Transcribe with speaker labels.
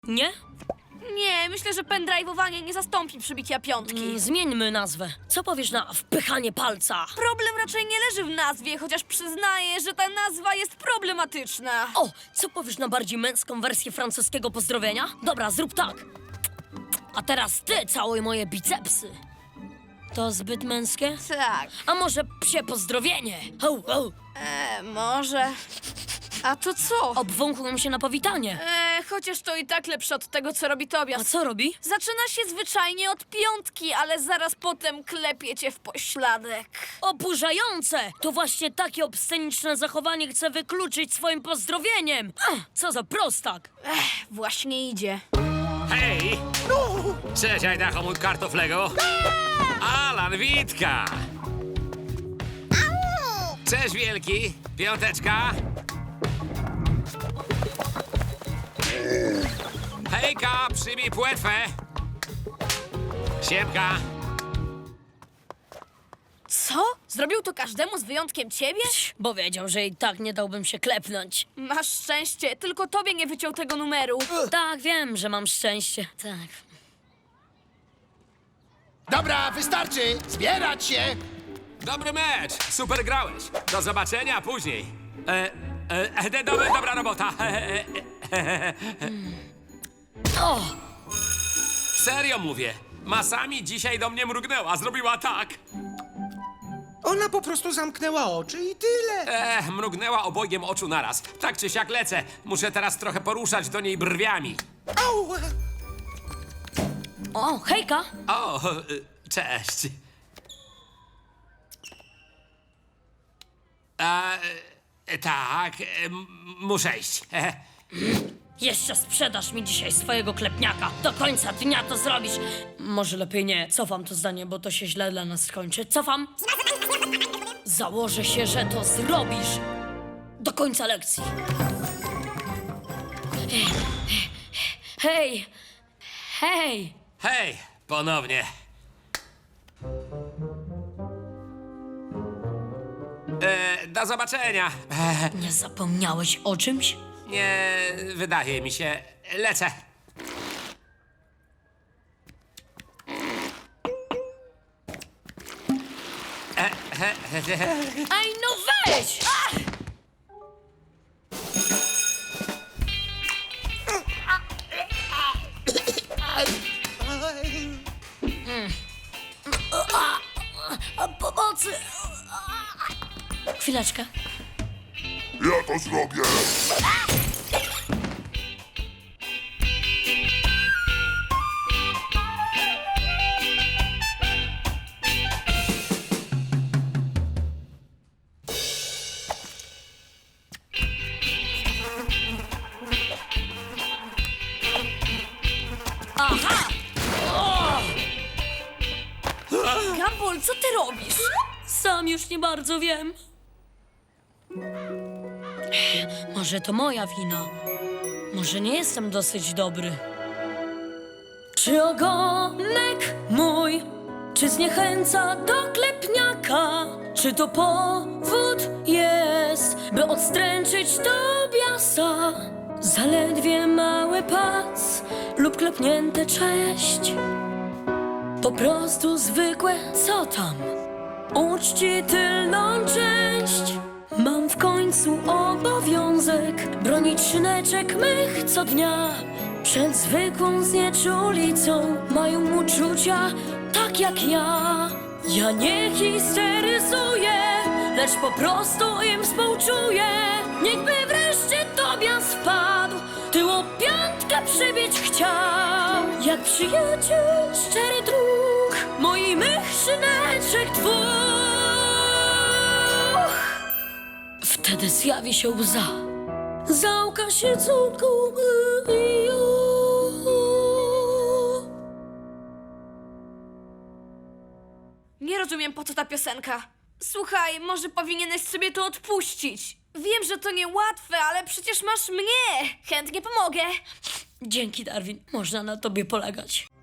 Speaker 1: Nie?
Speaker 2: Nie, myślę, że pendrive'owanie nie zastąpi przybicia piątki.
Speaker 1: Zmieńmy nazwę. Co powiesz na wpychanie palca?
Speaker 2: Problem raczej nie leży w nazwie, chociaż przyznaję, że ta nazwa jest problematyczna.
Speaker 1: O, co powiesz na bardziej męską wersję francuskiego pozdrowienia? Dobra, zrób tak. A teraz ty całuj moje bicepsy. To zbyt męskie?
Speaker 2: Tak,
Speaker 1: A może psie pozdrowienie? Ho, ho.
Speaker 2: może. A to co?
Speaker 1: Obwąchłem się na powitanie.
Speaker 2: Chociaż to i tak lepsze od tego, co robi
Speaker 1: A
Speaker 2: Tobias.
Speaker 1: co robi?
Speaker 2: Zaczyna się zwyczajnie od piątki, ale zaraz potem klepie cię w pośladek.
Speaker 1: Oburzające! To właśnie takie obsceniczne zachowanie chcę wykluczyć swoim pozdrowieniem. Co za prostak.
Speaker 2: Właśnie idzie.
Speaker 3: Hej! Cześć, Ajdacho, mój kartoflego! Alan, Witka! Cześć, wielki! Piąteczka! Hejka, przybij płetwę! Siemka!
Speaker 2: Co? Zrobił to każdemu z wyjątkiem ciebie?
Speaker 1: Bo wiedział, że i tak nie dałbym się klepnąć.
Speaker 2: Masz szczęście, tylko tobie nie wyciął tego numeru.
Speaker 1: Tak, wiem, że mam szczęście. Tak.
Speaker 4: Dobra, wystarczy! Zbierać się!
Speaker 3: Dobry mecz! Super grałeś! Do zobaczenia później! Dobra robota!
Speaker 1: O!
Speaker 3: Serio mówię! Masami dzisiaj do mnie mrugnęła, zrobiła tak!
Speaker 4: Ona po prostu zamknęła oczy i tyle.
Speaker 3: Mrugnęła obojgiem oczu naraz. Tak czy siak lecę. Muszę teraz trochę poruszać do niej brwiami.
Speaker 4: Au!
Speaker 1: O, hejka!
Speaker 3: O, cześć. Tak, muszę iść.
Speaker 1: Jeszcze sprzedasz mi dzisiaj swojego klepniaka. Do końca dnia to zrobisz. Może lepiej nie. Cofam to zdanie, bo to się źle dla nas skończy. Cofam. Założę się, że to zrobisz. Do końca lekcji. Hej! Hej!
Speaker 3: Hej, ponownie. Do zobaczenia.
Speaker 1: Nie zapomniałeś o czymś?
Speaker 3: Nie wydaje mi się. Lecę.
Speaker 1: Ej, no weź! Pomocy! Chwileczkę.
Speaker 5: Ja to zrobię!
Speaker 1: Aha!
Speaker 2: Gumball, co ty robisz?
Speaker 1: Sam już nie bardzo wiem. Może to moja wina. Może nie jestem dosyć dobry. Czy ogonek mój, czy zniechęca do klepniaka? Czy to powód jest, by odstręczyć Tobiasa? Zaledwie mały pac lub klepnięte cześć. Po prostu zwykłe co tam? Uczci tylną część. Mam w końcu obowiązek bronić szyneczek mych co dnia. Przed zwykłą znieczulicą mają uczucia tak jak ja. Ja nie histeryzuję, lecz po prostu im współczuję. Niechby wreszcie Tobias wpadł, tyło piątkę przybić chciał. Jak przyjaciel szczery druk, moi mych szyneczek dwóch. Wtedy zjawi się łza, załka się córką.
Speaker 2: Nie rozumiem, po co ta piosenka. Słuchaj, może powinieneś sobie to odpuścić. Wiem, że to niełatwe, ale przecież masz mnie. Chętnie pomogę.
Speaker 1: Dzięki, Darwin, można na tobie polegać.